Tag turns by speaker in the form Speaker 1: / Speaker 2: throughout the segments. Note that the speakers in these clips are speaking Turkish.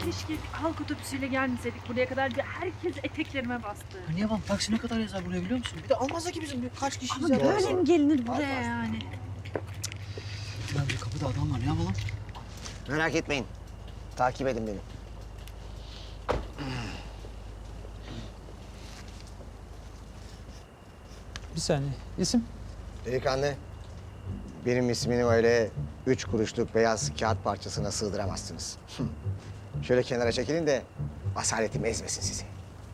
Speaker 1: Keşke halk otobüsüyle gelmeseydik buraya kadar. Herkes eteklerime bastı.
Speaker 2: Niye bak taksi ne kadar yazar buraya biliyor musun? Bir de almazlar ki bizim kaç kişiyiz
Speaker 1: Ama
Speaker 2: ya.
Speaker 1: böyle mi gelinir buraya yani?
Speaker 2: Ya bir kapıda adam var ne yapalım?
Speaker 3: Merak etmeyin. Takip edin beni.
Speaker 4: Bir saniye. İsim?
Speaker 3: Delikanlı, benim ismini öyle 3 kuruşluk beyaz kağıt parçasına sığdıramazsınız. Şöyle kenara çekilin de asaletim ezmesin sizi.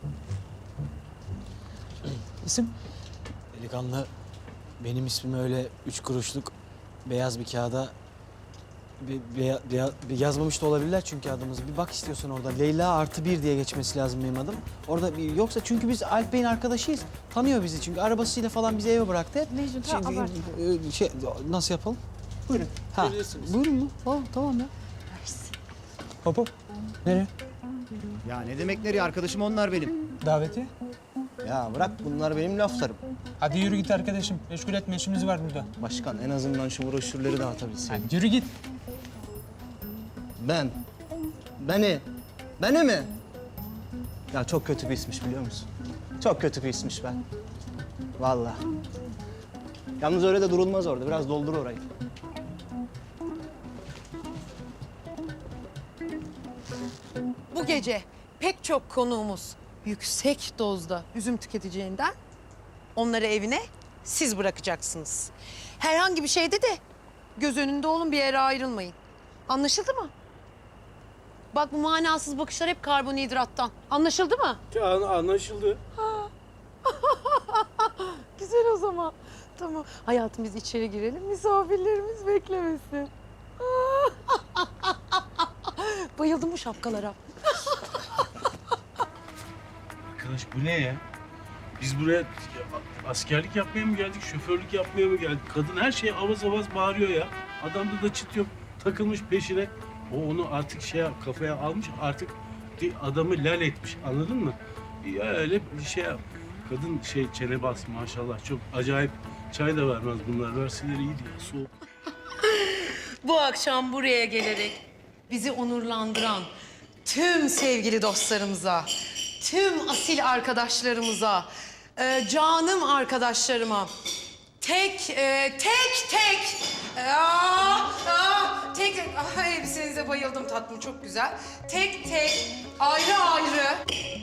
Speaker 4: İsim?
Speaker 5: Delikanlı, benim ismim öyle 3 kuruşluk beyaz bir kağıda yazmamış da olabilirler çünkü adımızı. Bir bak istiyorsan orada. Leyla artı 1 diye geçmesi lazım benim adım. Orada yoksa çünkü biz Alp Bey'in arkadaşıyız. Tanıyor bizi çünkü arabasıyla falan bizi eve bıraktı hep.
Speaker 1: Mecnun,
Speaker 5: Nasıl yapalım?
Speaker 4: Buyurun.
Speaker 5: Ha, buyurun mu? Tamam ya.
Speaker 4: Hop hop. Nereye?
Speaker 6: Ya ne demek nereye? Arkadaşım onlar benim.
Speaker 4: Daveti.
Speaker 6: Ya bırak bunlar benim laflarım.
Speaker 4: Hadi yürü git arkadaşım. Meşgul etme işimiz var burada.
Speaker 6: Başkan en azından şu broşürleri dağıtabilseydim.
Speaker 4: Hadi yürü git.
Speaker 6: Beni mi? Ya çok kötü bir ismiş biliyor musun? Çok kötü bir ismiş ben. Vallahi. Yalnız öyle de durulmaz orada. Biraz doldur orayı.
Speaker 7: Bu gece pek çok konuğumuz yüksek dozda üzüm tüketeceğinden onları evine siz bırakacaksınız. Herhangi bir şeyde de göz önünde olun, bir yere ayrılmayın. Anlaşıldı mı? Bak bu manasız bakışlar hep karbonhidrattan. Anlaşıldı mı?
Speaker 8: Anlaşıldı.
Speaker 7: Güzel o zaman. Tamam. Hayatım biz içeri girelim, misafirlerimiz beklemesin. Bayıldım bu şapkalara.
Speaker 8: Arkadaş bu ne ya? Biz buraya askerlik yapmaya mı geldik, şoförlük yapmaya mı geldik? Kadın her şeye avaz avaz bağırıyor ya. Adamda da çıt yok, takılmış peşine. O onu artık kafaya almış, artık adamı lal etmiş, anladın mı? Ya öyle bir şey yap. Kadın çene bas maşallah, çok acayip. Çay da vermez bunlar, verseler iyiydi ya, soğuk.
Speaker 7: Bu akşam buraya gelerek bizi onurlandıran tüm sevgili dostlarımıza, tüm asil arkadaşlarımıza, canım arkadaşlarıma tek hepsinize bayıldım, tatlım çok güzel. Tek ayrı ayrı.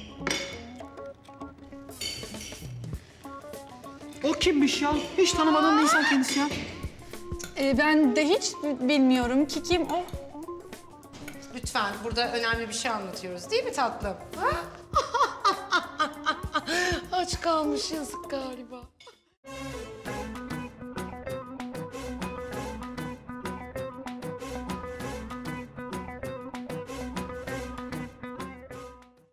Speaker 2: O kimmiş ya? Hiç tanımadığım bir insan kendisi ya.
Speaker 1: Ben de hiç bilmiyorum ki kim o.
Speaker 7: Lütfen, burada önemli bir şey anlatıyoruz değil mi tatlım? Aç kalmış yazık galiba.